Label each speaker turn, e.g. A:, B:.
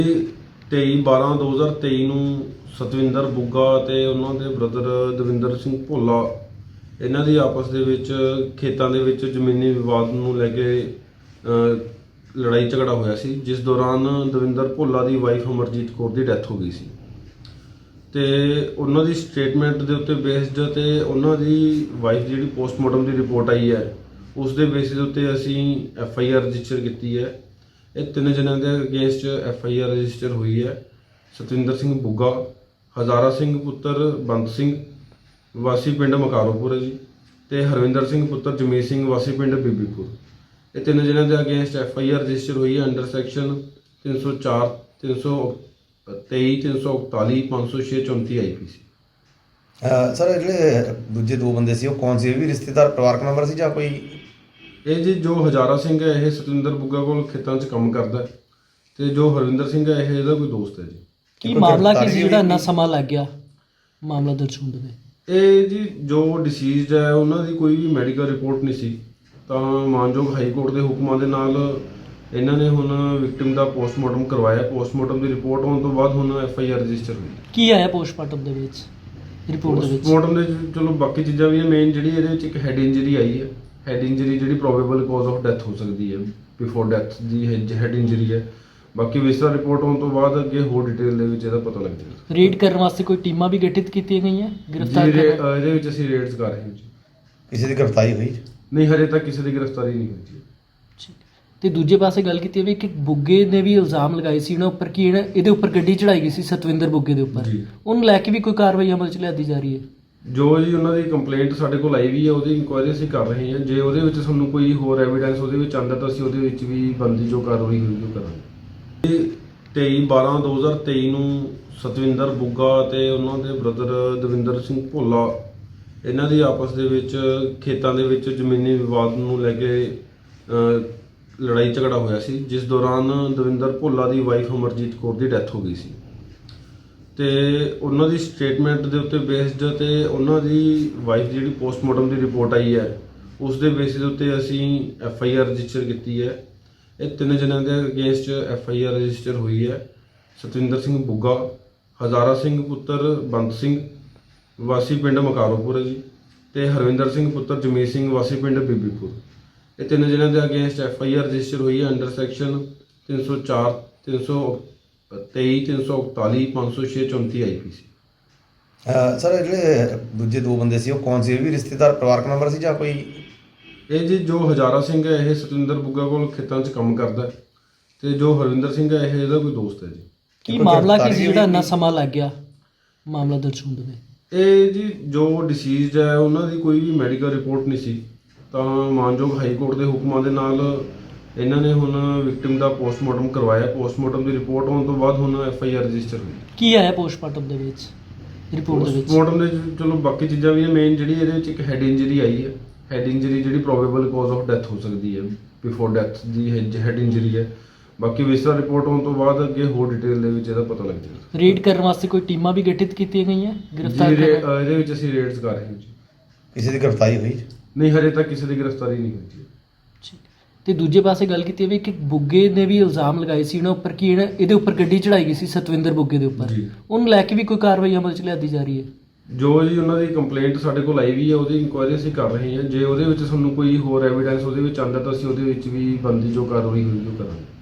A: 23/12/2023 ਨੂੰ ਸਤਵਿੰਦਰ ਬੁੱਗਾ ਤੇ ਉਹਨਾਂ ਦੇ ਬ੍ਰਦਰ ਦਵਿੰਦਰ ਸਿੰਘ ਭੋਲਾ ਇਹਨਾਂ ਦੀ ਆਪਸ ਦੇ ਵਿੱਚ ਖੇਤਾਂ ਦੇ ਵਿੱਚ ਜ਼ਮੀਨੀ ਵਿਵਾਦ ਨੂੰ ਲੈ ਕੇ ਲੜਾਈ ਝਗੜਾ ਹੋਇਆ ਸੀ, ਜਿਸ ਦੌਰਾਨ ਦਵਿੰਦਰ ਭੋਲਾ ਦੀ ਵਾਈਫ ਅਮਰਜੀਤ ਕੌਰ ਦੀ ਡੈਥ ਹੋ ਗਈ ਸੀ ਤੇ ਉਹਨਾਂ ਦੀ ਸਟੇਟਮੈਂਟ ਦੇ ਉੱਤੇ ਬੇਸਡ ਤੇ ਉਹਨਾਂ ਦੀ ਵਾਈਫ ਜਿਹੜੀ ਪੋਸਟਮਾਰਟਮ ਦੀ ਰਿਪੋਰਟ ਆਈ ਹੈ ਉਸ ਦੇ ਬੇਸਿਸ ਉੱਤੇ ਅਸੀਂ FIR ਰਜਿਸਟਰ ਕੀਤੀ ਹੈ। ਇਹ ਤਿੰਨ ਜਣਿਆਂ ਦੇ ਅਗੇਂਸਟ FIR ਰਜਿਸਟਰ ਹੋਈ ਹੈ। ਸਤਵਿੰਦਰ ਸਿੰਘ ਬੁੱਗਾ, ਹਜ਼ਾਰਾ ਸਿੰਘ ਪੁੱਤਰ ਬੰਦ ਸਿੰਘ ਵਾਸੀ ਪਿੰਡ ਮਕਾਰੋਪੁਰ ਹੈ ਜੀ, ਤੇ ਹਰਵਿੰਦਰ ਸਿੰਘ ਪੁੱਤਰ ਜਮੀਤ ਸਿੰਘ ਵਾਸੀ ਪਿੰਡ ਬੀਬੀਪੁਰ। ਇਹ ਤਿੰਨ ਜਣਿਆਂ ਦੇ ਅਗੇਂਸਟ FIR ਰਜਿਸਟਰ ਹੋਈ ਹੈ ਅੰਡਰ ਸੈਕਸ਼ਨ 304 323 341 506 34 IPC।
B: ਸਰ ਜਿਹੜੇ ਦੂਜੇ ਦੋ ਬੰਦੇ ਸੀ ਉਹ ਕੌਣ ਸੀ? ਇਹ ਵੀ ਰਿਸ਼ਤੇਦਾਰ ਪਰਿਵਾਰਕ ਮੈਂਬਰ ਸੀ ਜਾਂ ਕੋਈ?
A: ਇਹ ਜੀ ਜੋ ਹਜ਼ਾਰਾ ਸਿੰਘ ਹੈ ਇਹ ਸਤਵਿੰਦਰ ਬੁੱਗਾ ਕੋਲ ਖੇਤਾਂ 'ਚ ਕੰਮ ਕਰਦਾ ਹੈ ਤੇ ਜੋ ਹਰਵਿੰਦਰ ਸਿੰਘ ਹੈ ਇਹ ਇਹਦਾ ਕੋਈ ਦੋਸਤ ਹੈ ਜੀ।
C: ਕੀ ਮਾਮਲਾ ਕੀ ਸੀ ਜਿਹੜਾ ਇੰਨਾ ਸਮਾਂ ਲੱਗ ਗਿਆ ਮਾਮਲਾ ਦਰਜ ਹੋਣ ਦੇ?
A: ਇਹ ਜੀ ਜੋ ਡਿਸੀਜ਼ਡ ਹੈ ਉਹਨਾਂ ਦੀ ਕੋਈ ਵੀ ਮੈਡੀਕਲ ਰਿਪੋਰਟ ਨਹੀਂ ਸੀ, ਤਾਂ ਮਾਨਯੋਗ ਹਾਈ ਕੋਰਟ ਦੇ ਹੁਕਮਾਂ ਦੇ ਨਾਲ ਇਹਨਾਂ ਨੇ ਹੁਣ ਵਿਕਟਿਮ ਦਾ ਪੋਸਟਮਾਰਟਮ ਕਰਵਾਇਆ। ਪੋਸਟਮਾਰਟਮ ਦੀ ਰਿਪੋਰਟ ਆਉਣ ਤੋਂ ਬਾਅਦ ਹੁਣ FIR ਰਜਿਸਟਰ ਹੋਈ।
C: ਕੀ ਆਇਆ ਪੋਸਟਮਾਰਟਮ ਦੇ ਵਿੱਚ, ਰਿਪੋਰਟ ਦੇ ਵਿੱਚ?
A: ਪੋਸਟਮਾਰਟਮ ਦੇ ਚਲੋ ਬਾਕੀ ਚੀਜ਼ਾਂ ਵੀ ਹੈ, ਮੇਨ ਜਿਹੜੀ ਇਹਦੇ ਵਿੱਚ ਇੱਕ ਹੈਡ ਇੰਜਰੀ ਆਈ ਹੈ। ਹੈਡ ਇੰਜਰੀ ਜਿਹੜੀ ਪ੍ਰੋਬੇਬਲ ਕਾਜ਼ ਆਫ ਡੈਥ ਹੋ ਸਕਦੀ ਹੈ, ਬਿਫੋਰ ਡੈਥ ਦੀ ਹੈਡ ਇੰਜਰੀ ਹੈ। ਬਾਕੀ ਵਿਸਰਾ ਰਿਪੋਰਟ ਆਉਣ ਤੋਂ ਬਾਅਦ ਅੱਗੇ ਹੋਰ ਡਿਟੇਲ ਦੇ ਵਿੱਚ ਇਹਦਾ ਪਤਾ ਲੱਗ ਜਾਏਗਾ।
C: ਰੇਡ ਕਰਨ ਵਾਸਤੇ ਕੋਈ ਟੀਮਾਂ ਵੀ ਗਠਿਤ ਕੀਤੀਆਂ ਗਈਆਂ ਗ੍ਰਿਫਤਾਰ ਕਰਨ?
A: ਇਹਦੇ ਵਿੱਚ ਅਸੀਂ ਰੇਡਸ ਕਰ ਰਹੇ ਹਾਂ ਜੀ।
B: ਕਿਸੇ ਦੀ ਗ੍ਰਿਫਤਾਰੀ ਹੋਈ?
A: ਨਹੀਂ, ਹਜੇ ਤੱਕ ਕਿਸੇ ਦੀ ਗ੍ਰਿਫਤਾਰੀ ਨਹੀਂ ਹੋਈ ਜੀ।
C: ਠੀਕ। ਤੇ ਦੂਜੇ ਪਾਸੇ ਗੱਲ ਕੀਤੀ ਵੀ ਕਿ ਬੁੱਗੇ ਨੇ ਵੀ ਇਲਜ਼ਾਮ ਲਗਾਏ ਸੀ ਇਹਨਾਂ ਉੱਪਰ ਕਿ ਇਹਦੇ ਉੱਪਰ ਗੱਡੀ ਚੜਾਈ ਗਈ ਸੀ ਸਤਵਿੰਦਰ ਬੁੱਗੇ ਦੇ ਉੱਪਰ, ਉਹਨੂੰ ਲੈ ਕੇ ਵੀ ਕੋਈ ਕਾਰਵਾਈ ਅਮਲ 'ਚ ਲਿਆਦੀ ਜਾ ਰਹੀ ਹੈ?
A: ਜੋ ਜੀ ਉਹਨਾਂ ਦੀ ਕੰਪਲੇਂਟ ਸਾਡੇ ਕੋਲ ਆਈ ਵੀ ਹੈ ਉਹਦੀ ਇਨਕੁਆਇਰੀ ਅਸੀਂ ਕਰ ਰਹੇ ਹਾਂ। ਜੇ ਉਹਦੇ ਵਿੱਚ ਸਾਨੂੰ ਕੋਈ ਹੋਰ ਐਵੀਡੈਂਸ ਉਹਦੇ ਵਿੱਚ ਆਉਂਦਾ ਤਾਂ ਅਸੀਂ ਉਹਦੇ ਵਿੱਚ ਵੀ ਬਣਦੀ ਜੋ ਕਾਰਵਾਈ ਹੋਈ ਉਹ ਕਰਾਂਗੇ। 23/12/2023 ਨੂੰ ਸਤਵਿੰਦਰ ਬੁੱਗਾ ਤੇ ਉਹਨਾਂ ਦੇ ਬ੍ਰਦਰ ਦਵਿੰਦਰ ਸਿੰਘ ਭੋਲਾ ਇਹਨਾਂ ਦੀ ਆਪਸ ਦੇ ਵਿੱਚ ਖੇਤਾਂ ਦੇ ਵਿੱਚ ਜ਼ਮੀਨੀ ਵਿਵਾਦ ਨੂੰ ਲੈ ਕੇ ਲੜਾਈ ਝਗੜਾ ਹੋਇਆ ਸੀ, ਜਿਸ ਦੌਰਾਨ ਦਵਿੰਦਰ ਭੋਲਾ ਦੀ ਵਾਈਫ ਅਮਰਜੀਤ ਕੌਰ ਦੀ ਡੈਥ ਹੋ ਗਈ ਸੀ ਤੇ ਉਹਨਾਂ ਦੀ ਸਟੇਟਮੈਂਟ ਦੇ ਉੱਤੇ ਬੇਸਡ ਤੇ ਉਹਨਾਂ ਦੀ ਵਾਈਫ ਜਿਹੜੀ ਪੋਸਟਮਾਰਟਮ ਦੀ ਰਿਪੋਰਟ ਆਈ ਹੈ ਉਸ ਦੇ ਬੇਸਿਸ ਉੱਤੇ ਅਸੀਂ FIR ਰਜਿਸਟਰ ਕੀਤੀ ਹੈ। ਇਹ ਤਿੰਨ ਜਣਿਆਂ ਦੇ ਅਗੇਂਸਟ FIR ਰਜਿਸਟਰ ਹੋਈ ਹੈ। ਸਤਵਿੰਦਰ ਸਿੰਘ ਬੁੱਗਾ, ਹਜ਼ਾਰਾ ਸਿੰਘ ਪੁੱਤਰ ਬੰਦ ਸਿੰਘ ਵਾਸੀ ਪਿੰਡ ਮਕਾਰੋਪੁਰ ਹੈ ਜੀ, ਤੇ ਹਰਵਿੰਦਰ ਸਿੰਘ ਪੁੱਤਰ ਜਮੀਤ ਸਿੰਘ ਵਾਸੀ ਪਿੰਡ ਬੀਬੀਪੁਰ। ਇਹ ਤਿੰਨ ਜਣਿਆਂ ਦੇ ਅਗੇਂਸਟ FIR ਰਜਿਸਟਰ ਹੋਈ ਹੈ ਅੰਡਰ ਸੈਕਸ਼ਨ 304 323 341 506 34 IPC।
B: ਸਰ ਜਿਹੜੇ ਦੂਜੇ ਦੋ ਬੰਦੇ ਸੀ ਉਹ ਕੌਣ ਸੀ? ਇਹ ਵੀ ਰਿਸ਼ਤੇਦਾਰ ਪਰਿਵਾਰਕ ਮੈਂਬਰ ਸੀ ਜਾਂ ਕੋਈ?
A: ਇਹ ਜੀ ਜੋ ਹਜ਼ਾਰਾ ਸਿੰਘ ਹੈ ਇਹ ਸਤਵਿੰਦਰ ਬੁੱਗਾ ਕੋਲ ਖੇਤਾਂ 'ਚ ਕੰਮ ਕਰਦਾ ਹੈ ਤੇ ਜੋ ਹਰਵਿੰਦਰ ਸਿੰਘ ਹੈ ਇਹ ਇਹਦਾ ਕੋਈ ਦੋਸਤ ਹੈ ਜੀ।
C: ਕੀ ਮਾਮਲਾ ਕੀ ਸੀ ਜਿਹੜਾ ਇੰਨਾ ਸਮਾਂ ਲੱਗ ਗਿਆ ਮਾਮਲਾ ਦਰਜ ਹੋਣ ਦੇ?
A: ਇਹ ਜੀ ਜੋ ਡਿਸੀਜ਼ਡ ਹੈ ਉਹਨਾਂ ਦੀ ਕੋਈ ਵੀ ਮੈਡੀਕਲ ਰਿਪੋਰਟ ਨਹੀਂ ਸੀ, ਤਾਂ ਮਾਨਯੋਗ ਹਾਈ ਕੋਰਟ ਦੇ ਹੁਕਮਾਂ ਦੇ ਨਾਲ ਇਹਨਾਂ ਨੇ ਹੁਣ ਵਿਕਟਿਮ ਦਾ ਪੋਸਟਮਾਰਟਮ ਕਰਵਾਇਆ। ਪੋਸਟਮਾਰਟਮ ਦੀ ਰਿਪੋਰਟ ਆਉਣ ਤੋਂ ਬਾਅਦ ਹੁਣ FIR ਰਜਿਸਟਰ ਹੋਈ।
C: ਕੀ ਆਇਆ ਪੋਸਟਮਾਰਟਮ ਦੇ ਵਿੱਚ, ਰਿਪੋਰਟ ਦੇ ਵਿੱਚ?
A: ਪੋਸਟਮਾਰਟਮ ਦੇ ਚਲੋ ਬਾਕੀ ਚੀਜ਼ਾਂ ਵੀ ਹੈ, ਮੇਨ ਜਿਹੜੀ ਇਹਦੇ ਵਿੱਚ ਇੱਕ ਹੈਡ ਇੰਜਰੀ ਆਈ ਹੈ। ਹੈਡ ਇੰਜਰੀ ਜਿਹੜੀ ਪ੍ਰੋਬੇਬਲ ਕਾਜ਼ ਆਫ ਡੈਥ ਹੋ ਸਕਦੀ ਹੈ, ਬਿਫੋਰ ਡੈਥ ਦੀ ਹੈਡ ਇੰਜਰੀ ਹੈ। ਬਾਕੀ ਵਿਸਰਾ ਰਿਪੋਰਟ ਆਉਣ ਤੋਂ ਬਾਅਦ ਅੱਗੇ ਹੋਰ ਡਿਟੇਲ ਦੇ ਵਿੱਚ ਇਹਦਾ ਪਤਾ ਲੱਗ ਜਾਏਗਾ।
C: ਰੇਡ ਕਰਨ ਵਾਸਤੇ ਕੋਈ ਟੀਮਾਂ ਵੀ ਗਠਿਤ ਕੀਤੀਆਂ ਗਈਆਂ ਗ੍ਰਿਫਤਾਰ ਕਰਨ?
A: ਇਹਦੇ ਵਿੱਚ ਅਸੀਂ ਰੇਡਸ ਕਰ ਰਹੇ ਹਾਂ ਜੀ।
B: ਕਿਸੇ ਦੀ ਗ੍ਰਿਫਤਾਰੀ ਹੋਈ?
A: ਨਹੀਂ, ਹਜੇ ਤੱਕ ਕਿਸੇ ਦੀ ਗ੍ਰਿਫਤਾਰੀ ਨਹੀਂ ਹੋਈ ਜੀ।
C: ਠੀਕ। ਤੇ ਦੂਜੇ ਪਾਸੇ ਗੱਲ ਕੀਤੀ ਵੀ ਕਿ ਬੁੱਗੇ ਨੇ ਵੀ ਇਲਜ਼ਾਮ ਲਗਾਏ ਸੀ ਇਹਨਾਂ ਉੱਪਰ ਕਿ ਇਹਦੇ ਉੱਪਰ ਗੱਡੀ ਚੜਾਈ ਗਈ ਸੀ ਸਤਵਿੰਦਰ ਬੁੱਗੇ ਦੇ ਉੱਪਰ, ਉਹਨੂੰ ਲੈ ਕੇ ਵੀ ਕੋਈ ਕਾਰਵਾਈ ਅਮਲ 'ਚ ਲਿਆਦੀ ਜਾ ਰਹੀ ਹੈ?
A: ਜੋ ਜੀ ਉਹਨਾਂ ਦੀ ਕੰਪਲੇਂਟ ਸਾਡੇ ਕੋਲ ਆਈ ਵੀ ਹੈ ਉਹਦੀ ਇਨਕੁਆਇਰੀ ਅਸੀਂ ਕਰ ਰਹੇ ਹਾਂ। ਜੇ ਉਹਦੇ ਵਿੱਚ ਸਾਨੂੰ ਕੋਈ ਹੋਰ ਐਵੀਡੈਂਸ ਉਹਦੇ ਵਿੱਚ ਆਉਂਦਾ ਤਾਂ ਅਸੀਂ ਉਹਦੇ ਵਿੱਚ ਵੀ ਬਣਦੀ ਜੋ ਕਾਰਵਾਈ ਹੋਈ ਉਹ ਕਰਾਂਗੇ।